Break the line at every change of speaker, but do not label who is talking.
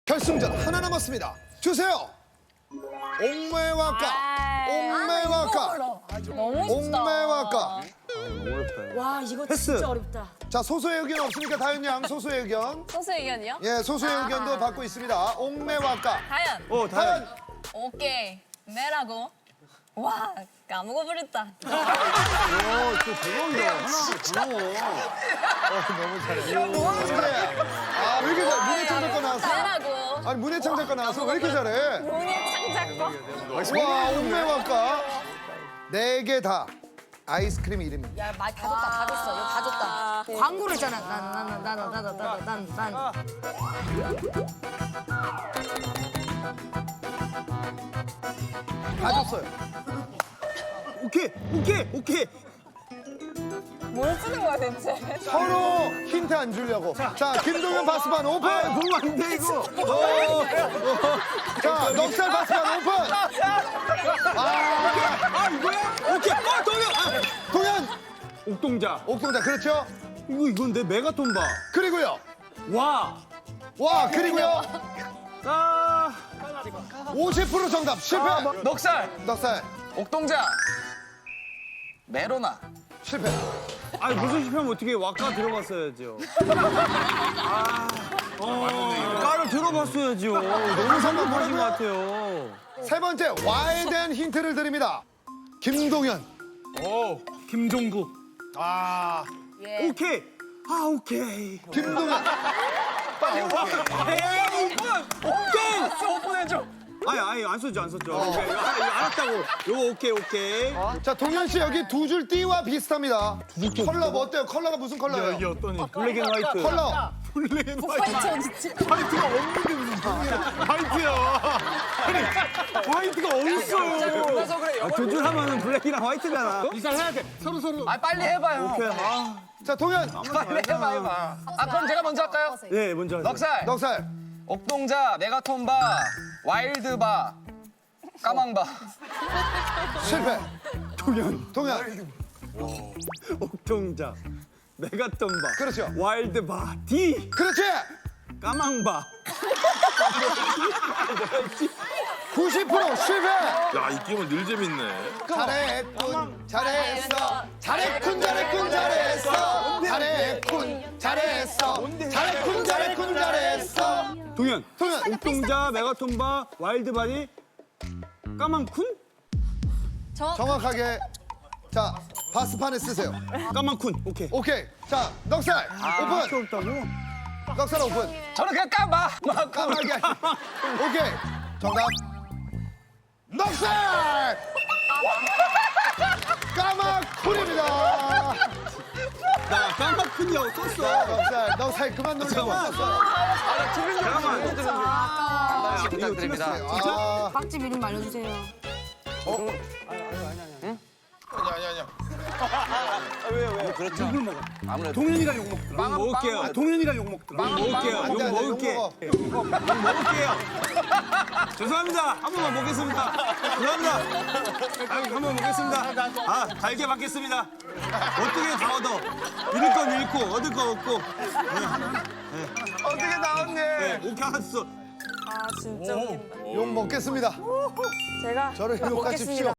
결승전 하나 남았습니다. 주세요. 옥매와까. 옥매와까.
너무 쉽다.
옥매와까.
와 이거
패스.
진짜 어렵다.
자, 소수의 의견 없습니까? 다현 양, 소수의 의견.
소수 의견이요?
예, 소수의 의견도 받고 있습니다. 옥매와까.
다현.
다현.
다현.
오케이. 매라고. 와, 까먹어버렸다.
또 대박이다. 하나 고마워.
아, 왜 이렇게 잘해? 문해창 작가 나왔어?
매라고.
아니, 문해창 작가 나와서 왜 이렇게 잘해?
문희 창작과.
와, 옥매와까. 4개 다 아이스크림 이름입니다.
야 말 다 줬다 다 줬어. 이거 다 줬다. 광고를 했잖아. 난.
다 줬어요.
오케이.
뭘 쓰는 거야, 대체?
서로 힌트 안 주려고. 자, 김동현 바스반 오픈.
보면 안 돼, 이거.
자, 넉살 바스반 오픈.
이거야? 오케이.
동현.
옥동자.
옥동자 그렇죠?
이건데 메가톤 봐.
그리고요.
와.
그리고요. 50% 정답 실패.
넉살,
넉살
옥동자, 메로나.
실패.
아니 무슨 실패하면 어떻게 와까 들어봤어야죠. 까를 들어봤어야죠. 너무 상관하신 것 같아요.
세 번째 와일드한 힌트를 드립니다. 김동현.
김종국.
아,
오케이. 오케이.
김동현.
오케이.
오픈해줘.
아니 안 썼죠. 오케이. 이거 알았다고. 이거 오케이.
자, 동현 씨 여기 두 줄 띠와 비슷합니다. 컬러 뭐 어때요? 컬러가 무슨 컬러예요?
이게 어떠니? 블랙 앤 화이트.
컬러.
블랙 앤 화이트. 화이트가 없는데 무슨 화이트야. 아니 화이트가 어딨어요.
그래서 그래.
두 줄 하면은 블랙이랑 화이트잖아.
아 빨리 해봐요.
오케이.
자, 동현.
빨리 해봐. 그럼 제가 먼저 할까요?
예, 먼저 하세요.
넉살,
넉살.
옥동자, 메가톤바, 와일드바, 까망바.
실패.
동현,
동현.
옥동자, 메가톤바,
그렇죠.
와일드바, D,
그렇지.
까망바.
90% 실패.
야, 이 게임은 늘 재밌네.
잘했군. 잘했어. 잘했군. 잘했어.
동현,
동현.
옥동자, 메가톤바, 와일드바니, 까망쿤?
정확하게. 자, 바스판에 쓰세요.
까망쿤. 오케이.
오케이. 자, 넉살 오픈.
없다고?
넉살 오픈.
저는 그냥 까마.
까마귀. 오케이. 정답. 넉살. 까마쿨입니다.
나 까망쿤이라고 썼어.
넉살 그만 놀자고.
잠깐만.
부탁드립니다.
아,
박집 이름 알려주세요.
동현이랑 욕 먹더라. 욕 먹을게요. 동현이랑 욕 먹더라. 욕 먹을게요.
안 돼,
욕
안 돼,
먹을게.
욕
욕 먹을게요. 죄송합니다. 한 번만 먹겠습니다. 죄송합니다. 한 번 먹겠습니다. 달게 받겠습니다. 어떻게 다 얻어? 잃을 건 잃고 얻을 건 얻고.
어떻게 나왔네.
네, 오케이 알았어.
아, 진짜 웃긴다.
욕 먹겠습니다.
제가
저를 욕하십시오.